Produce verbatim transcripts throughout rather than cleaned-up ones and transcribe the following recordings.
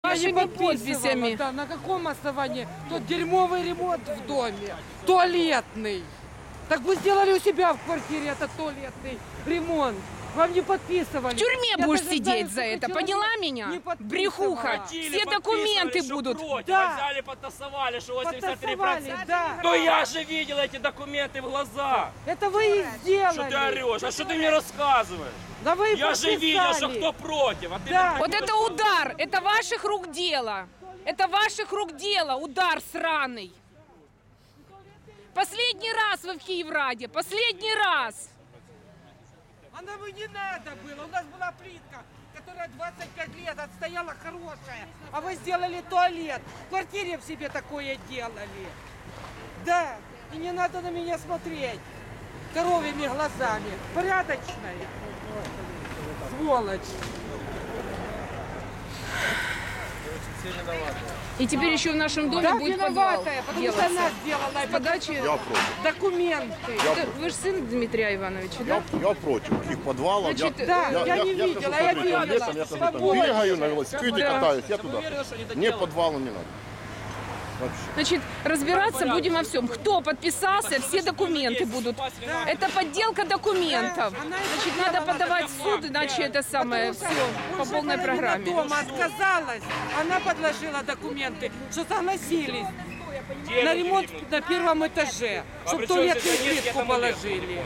вашими подписями. Да, на каком основании? Тот дерьмовый ремонт в доме, туалетный. Так вы сделали у себя в квартире этот туалетный ремонт. Вам не подписывали. В тюрьме Я будешь даже сидеть знаю, за сколько это, человек поняла не меня? подписывало. Брехуха. Все документы будут. Против, Да. а взяли, подтасовали, что восемьдесят три процента. Подтасовали, да. Но я же видел эти документы в глаза. Это вы и сделали. Что ты орешь? А что ты мне рассказываешь? Да вы и Я же видел, что кто против. А ты Да. мне Вот такие это рассказываешь. удар, это ваших рук дело. Это ваших рук дело, удар сраный. Последний раз вы в Киевраде, последний раз. А нам и не надо было. У нас была плитка, которая двадцать пять лет отстояла хорошая. А вы сделали туалет. В квартире в себе такое делали. Да. И не надо на меня смотреть коровьими глазами. Порядочная. Сволочь. И теперь еще в нашем доме Да, будет подвал виноватая, потому что делаться. она сделала. С подачи... Я против. Документы. Это Вы же сын Дмитрия Ивановича, да? Я, я против их подвалов. Значит, я, да, я не хожу видела, по я летом, видела. летом, я тоже там Свободно. бегаю на велосипеде, Да. катаюсь, я Я туда. уверен, что они это Мне делают. подвала не надо. Вообще. Значит, разбираться будем во всем. Кто подписался, все документы будут. Это подделка документов. Да, она и Значит, сделала надо подавать в такое. суд, иначе это самое все по Уже полной половина программе. дома отказалась. Она подложила документы, что согласились на ремонт на первом этаже, А чтобы при чем туалетную здесь они, я плитку тому лет. положили.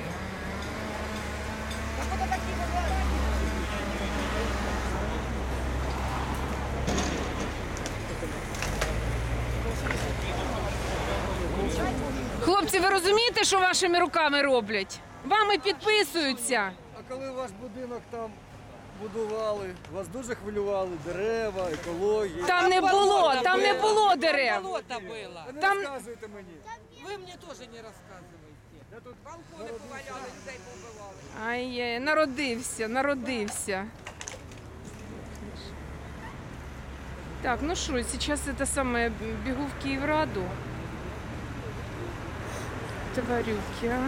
Хлопці, ви розумієте, що вашими руками роблять? Вами підписуються. А коли ваш будинок там будували, вас дуже хвилювали дерева, екологія. Там не було, там не було дерев. Болото було. Не там- розказуйте мені. Ви мені теж не розказуєте. Балкони поваляли, людей побивали. Ай, народився, народився. Так, ну что, сейчас это самое, бегу в Киевраду. Тварюки, а.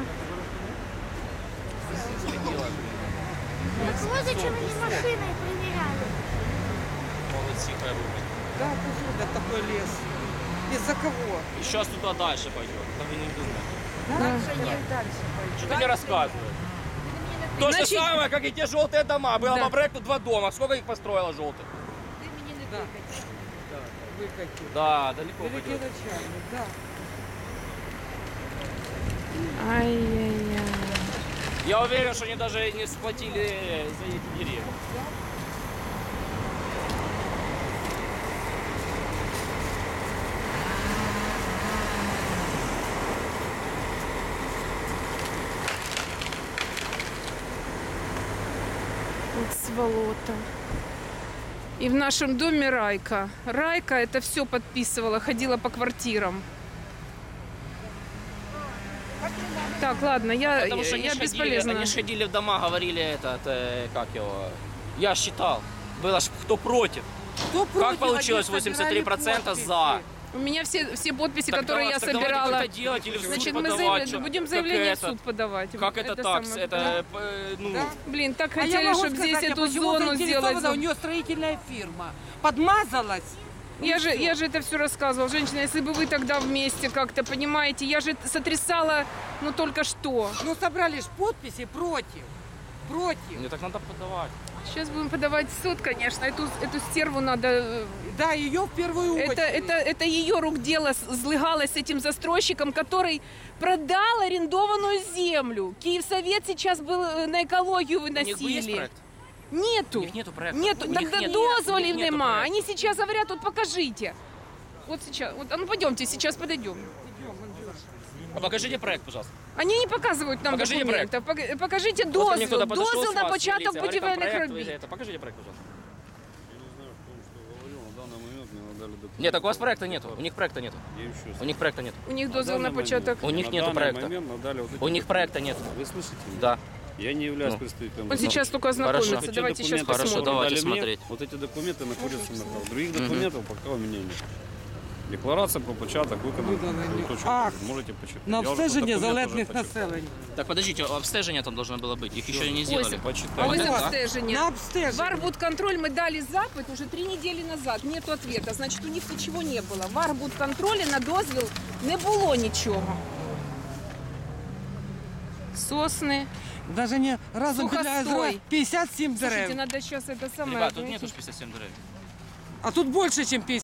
Так вот зачем они машиной проверяли? Молодцы, хай рубят. Да, посуда такой лес. Из-за кого? И сейчас туда дальше пойдет. Там и не думай. Что ты мне рассказываешь? То же Значит- самое, как и те желтые дома. Было Да. по проекту два дома. Сколько их построило желтых? Да. Выкатил. Да, далеко Великий пойдет. начальник, да. Ай-яй-яй. Я уверен, что они даже не сплотили за эти деревья. Вот сволота. И в нашем доме Райка. Райка это все подписывала, ходила по квартирам. Так, ладно, я, Потому что я они, ж ходили, бесполезна. они ж ходили в дома, говорили этот, э, как его, я считал, было ж кто против. Кто против? Как получилось Они восемьдесят три процента собирали за? подписи. У меня все, все подписи, Так которые давай- я так давайте собирала. это делать или в суд Значит, мы подавать, заявля- что- будем как заявление в это- суд подавать. Как это, так? самое. Это, э, ну, Да. Блин, так А я хотели, могу чтобы здесь сказать, а эту почему зону заинтересована? сделать. У нее строительная фирма. Подмазалась. Я же, я же это все рассказывала. Женщина, если бы вы тогда вместе как-то, понимаете, я же сотрясала, ну, только что. Ну, собрали ж подписи против. Против. мне так надо подавать. Сейчас будем подавать в суд, конечно. Эту, эту стерву надо... э, Да, ее в первую очередь. Это, это, это ее рук дело с- злыгалось с этим застройщиком, который продал арендованную землю. Киевсовет сейчас был э, на экологию У них есть выносили. проект? Нету. У них нету проекта. Нету. У них Тогда нет- дозволів у них нету нема. проекта. Они сейчас говорят, вот покажите. Вот сейчас. Вот, а ну пойдемте, сейчас подойдем. А покажите проект, пожалуйста. Они не показывают нам Покажите документов. Пок- Покажите Вот ко мне дозвіл. кто-то подошел Дозвіл с на вас, початок милиция, говорит, там будівельних проект, вы робіт. это, покажите проект, пожалуйста. Я не знаю, в том, что говорил, на данный момент мне надали документы. Нет, так у вас проекта нету. У них проекта нету. Я им еще У них проекта нет. У них На дозвіл на данный початок. момент- У них на нету данный проекта. момент надали вот эти У них документы. проекта нет. Вы слышите меня? Да. Я не являюсь Ну. представителем. Он сейчас только ознакомится. Хорошо. Эти Давайте сейчас документы, Хорошо, посмотрим. которые давайте дали мне, смотреть. вот эти документы находятся на руках. Других документов пока у меня нет. Декларація про початок виконаних Виданий підготовчих акт робіт. Можете почитати. На Я вже обстеження документ уже залежних почитав. населення. Так подождите, обстежение там должно было быть. Их еще не сделали. А Почитайте. ось Вот. обстеження. На В обстеження. Арбудконтроль мы дали запит уже три недели назад, нету ответа, значит у них ничего не было. В Арбудконтроле на дозвіл не було нічого. Сосны. Даже не разом біля Сухостой. озера п'ятдесят сім Слушайте, дерев. надо сейчас это самое... Ребят, тут знаете, нету ж пятьдесят семь деревьев. А тут більше, ніж п'ятдесят.